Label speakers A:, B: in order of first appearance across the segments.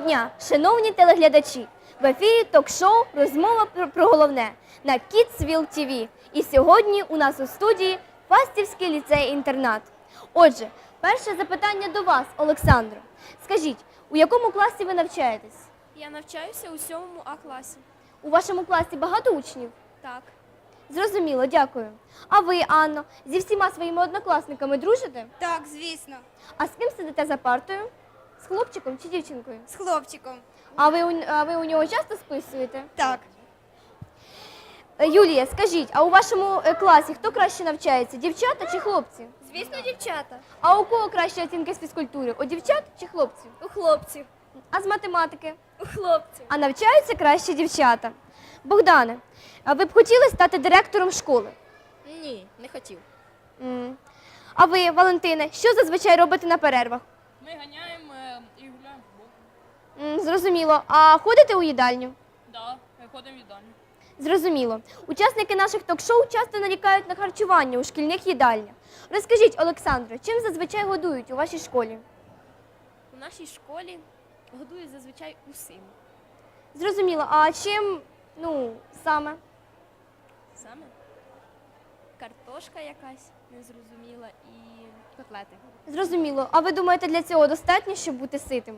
A: дня, шановні телеглядачі! В ефірі ток-шоу «Розмова про головне» на Kidsville TV. І сьогодні у нас у студії Фастівський ліцей-інтернат. Отже, перше запитання до вас, Олександро. Скажіть, у якому класі ви навчаєтесь?
B: Я навчаюся у 7 А класі.
A: У вашому класі багато учнів?
B: Так.
A: Зрозуміло, дякую. А ви, Анно, зі всіма своїми однокласниками дружите?
C: Так, звісно.
A: А з ким сидите за партою? З хлопчиком чи дівчинкою?
C: З хлопчиком.
A: А ви у нього часто списуєте?
C: Так.
A: Юлія, скажіть, а у вашому класі хто краще навчається, дівчата чи хлопці?
B: Звісно, дівчата.
A: А у кого кращі оцінки з фізкультури? У дівчат чи хлопців?
B: У хлопців.
A: А з математики?
B: У хлопців.
A: А навчаються краще дівчата. Богдане, а ви б хотіли стати директором школи?
B: Ні, не хотів.
A: А ви, Валентине, що зазвичай робите на перервах?
D: Ми ганяємо і гуляємо в футбол.
A: Зрозуміло. А ходите у їдальню?
D: Да, ми ходимо в їдальню.
A: Зрозуміло. Учасники наших ток-шоу часто нарікають на харчування у шкільних їдальнях. Розкажіть, Олександро, чим зазвичай годують у вашій школі?
B: У нашій школі годують зазвичай усім.
A: Зрозуміло. А чим, саме?
B: Саме картошка якась незрозуміла і котлети.
A: Зрозуміло. А ви думаєте, для цього достатньо, щоб бути ситим?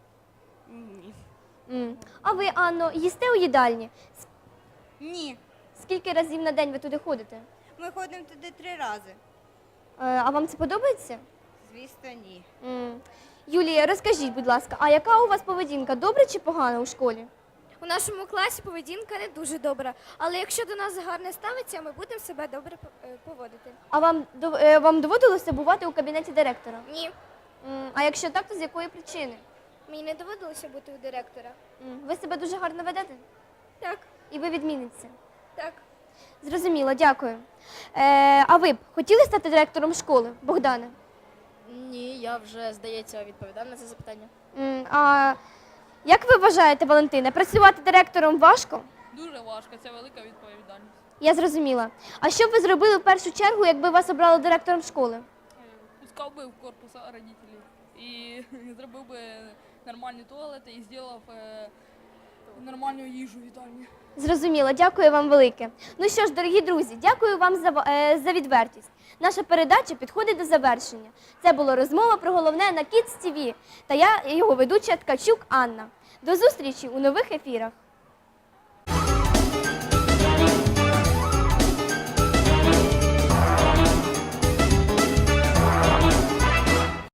B: Ні.
A: А ви, Анно, їсте у їдальні?
C: Ні.
A: Скільки разів на день ви туди ходите?
C: Ми ходимо туди 3 рази.
A: А вам це подобається?
C: Звісно, ні.
A: Юлія, розкажіть, будь ласка, а яка у вас поведінка, добра чи погана у школі?
B: У нашому класі поведінка не дуже добра, але якщо до нас гарне ставиться, ми будемо себе добре поводити.
A: А вам доводилося бувати у кабінеті директора?
B: Ні,
A: А якщо так, то з якої причини?
B: мені не доводилося бути у директора.
A: Ви себе дуже гарно ведете?
B: Так,
A: І ви відмінниця?
B: так.
A: Зрозуміло, дякую. А ви б хотіли стати директором школи, Богдане?
B: Ні, я вже, здається, відповідав на це запитання.
A: А як ви вважаєте, Валентине, працювати директором важко?
D: Дуже важко, це велика відповідальність.
A: Я зрозуміла. А що б ви зробили в першу чергу, якби вас обрали директором школи?
D: Пускав би в корпус родителів і зробив би нормальні туалети і зробив нормальну їжу в їдальні.
A: Зрозуміло, дякую вам велике. Ну що ж, дорогі друзі, дякую вам за відвертість. Наша передача підходить до завершення. Це була розмова про головне на Kids TV. Та я, його ведуча Ткачук Анна. До зустрічі у нових ефірах.